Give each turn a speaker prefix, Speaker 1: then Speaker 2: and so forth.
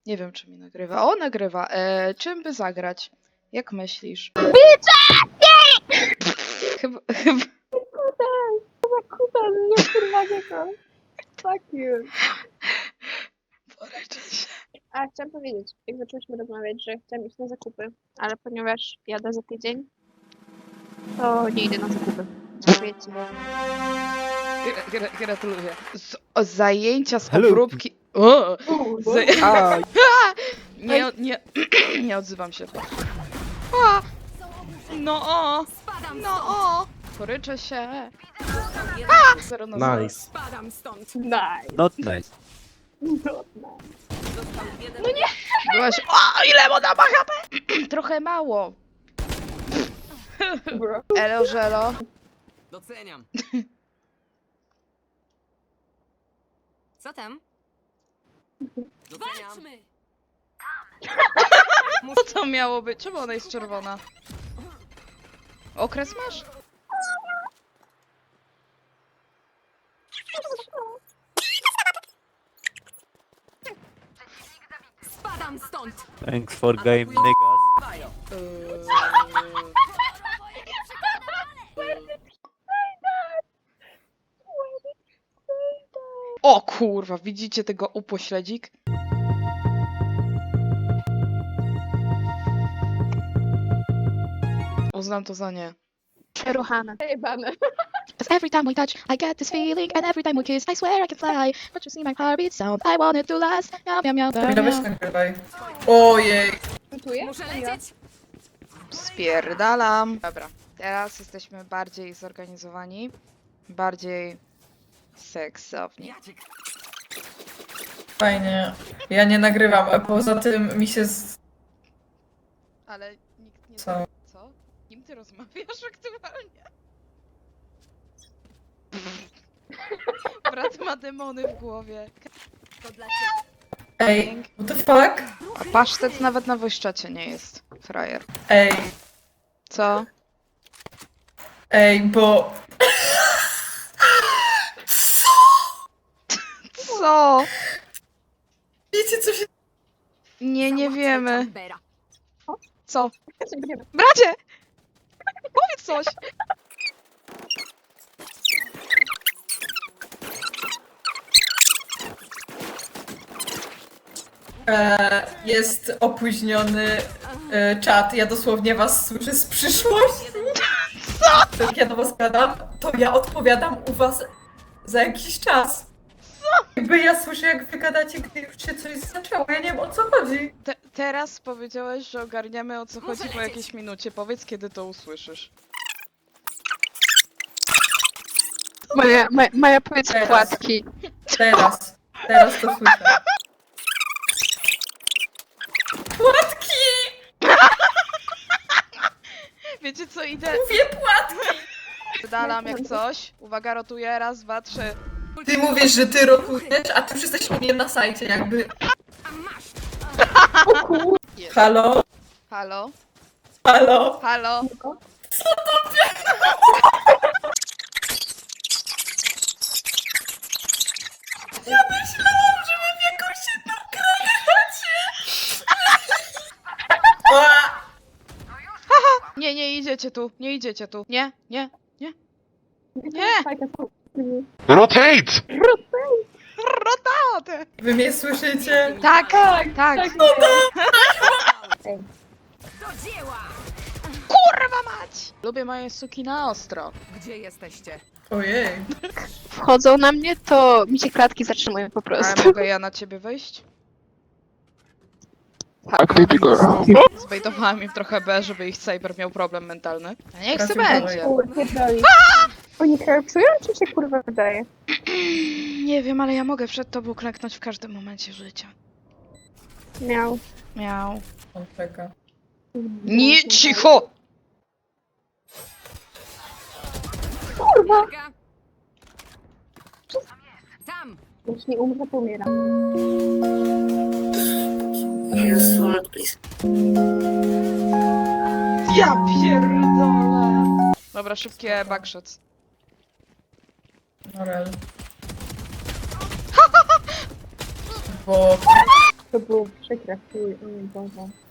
Speaker 1: Nie wiem, czy mi nagrywa. O, nagrywa. Czym by zagrać? Jak myślisz? Chyba...
Speaker 2: Kuta, nie kurwa niego. Fuck you.
Speaker 1: Poryczę się.
Speaker 2: A chciałam powiedzieć, jak zaczęliśmy rozmawiać, że chciałam iść na zakupy, ale ponieważ jadę za tydzień, to nie idę na zakupy. Dziękuję ci.
Speaker 1: Gratuluję. Zajęcia z
Speaker 3: Hello.
Speaker 1: obróbki... O! Nie, nie odzywam się. A! No o! No o! Poryczę się. A! Zero na zero.
Speaker 3: Nice.
Speaker 4: Spadam stąd.
Speaker 2: Nice.
Speaker 3: Not nice.
Speaker 2: No,
Speaker 4: Został jeden.
Speaker 2: No nie.
Speaker 1: Byłaś... O! Ile ona ma HP? Trochę mało.
Speaker 2: Bro.
Speaker 1: Elo, żelo.
Speaker 4: Doceniam. Co tam? Doceniam.
Speaker 1: Co to miało być? Czemu ona jest czerwona? Okres masz?
Speaker 4: Spadam stąd.
Speaker 3: Thanks for game, niggas.
Speaker 4: Bajo.
Speaker 1: O kurwa, widzicie tego upośledzik? Uznam to za nie.
Speaker 2: Ruchane. Jebane.
Speaker 5: Cause every time we touch, I get this feeling, and every time we kiss, I swear I can fly. But you see my heartbeat sound, I want it to last. Meow, meow, meow,
Speaker 6: Kamila, weź
Speaker 5: meow.
Speaker 6: nagrywaj. Ojej.
Speaker 2: Czytuję?
Speaker 4: Muszę lecieć.
Speaker 1: Spierdalam. Dobra, teraz jesteśmy bardziej zorganizowani. Bardziej seksowni.
Speaker 4: Jacek.
Speaker 6: Fajnie. Ja nie nagrywam, a poza tym mi się
Speaker 1: Ale nikt nie...
Speaker 6: Co?
Speaker 1: Co? Kim ty rozmawiasz aktualnie? Brat ma demony w głowie.
Speaker 4: To dla ciebie.
Speaker 6: Ej, what the fuck?
Speaker 1: A pasztet nawet na wojszczacie nie jest. Frajer.
Speaker 6: Ej,
Speaker 1: Co?
Speaker 6: bo...
Speaker 1: Co?
Speaker 6: Wiecie co się...
Speaker 1: Nie wiemy.
Speaker 4: Chambera.
Speaker 1: Co?
Speaker 2: Nie.
Speaker 1: Bracie! Powiedz coś!
Speaker 6: Jest opóźniony czat. Ja dosłownie was słyszę z przyszłości. Co? Jak ja do was gadam, to ja odpowiadam u was za jakiś czas. Co? Jakby ja słyszę, jak wy gadacie, gdy już się coś zaczęło. Ja nie wiem, o co chodzi.
Speaker 1: Teraz powiedziałeś, że ogarniamy o co
Speaker 4: Muszę
Speaker 1: chodzi po
Speaker 4: lecieć.
Speaker 1: jakiejś minucie. Powiedz, kiedy to usłyszysz.
Speaker 2: Maja powiedz
Speaker 6: Teraz.
Speaker 2: płatki.
Speaker 6: Teraz to słyszę. Płatki!
Speaker 1: Wiecie co, idę...
Speaker 6: Mówię płatki!
Speaker 1: Dalam jak coś. Uwaga, rotuję. Raz, dwa, trzy.
Speaker 6: Ty mówisz, że ty rotujesz, a ty już jesteś u mnie na sajcie, jakby.
Speaker 4: A masz.
Speaker 6: Halo?
Speaker 1: Halo?
Speaker 6: Halo?
Speaker 1: Halo?
Speaker 6: Ja myślałam, że wy w jakąś jedną grę gracie!
Speaker 1: Nie idziecie tu. Nie idziecie tu. Nie.
Speaker 7: Rotate!
Speaker 1: Rotaty!
Speaker 6: Wy mnie słyszycie?
Speaker 1: Tak.
Speaker 6: No
Speaker 4: Do dzieła.
Speaker 1: Kurwa mać! Lubię moje suki na ostro.
Speaker 4: Gdzie jesteście?
Speaker 6: Ojej.
Speaker 2: Wchodzą na mnie, to mi się klatki zatrzymują po
Speaker 1: Ale
Speaker 2: prostu.
Speaker 1: mogę ja na ciebie wejść? Zbejtowałam im trochę B, żeby ich cyber miał problem mentalny. A niech se
Speaker 6: Trafił
Speaker 1: będzie.
Speaker 2: Oni krapsują, czy się kurwa wydaje?
Speaker 1: Nie wiem, ale ja mogę przed tobą klęknąć w każdym momencie życia.
Speaker 2: Miał.
Speaker 1: Miał.
Speaker 6: On czeka.
Speaker 1: Nie, cicho!
Speaker 4: Uwaga. Tam.
Speaker 2: Jeśli umrze, to umieram.
Speaker 1: Ja pierdolę! Dobra, szybkie backshots.
Speaker 6: Norel. Bo...
Speaker 2: To było przykre, chuj, o mój Boże.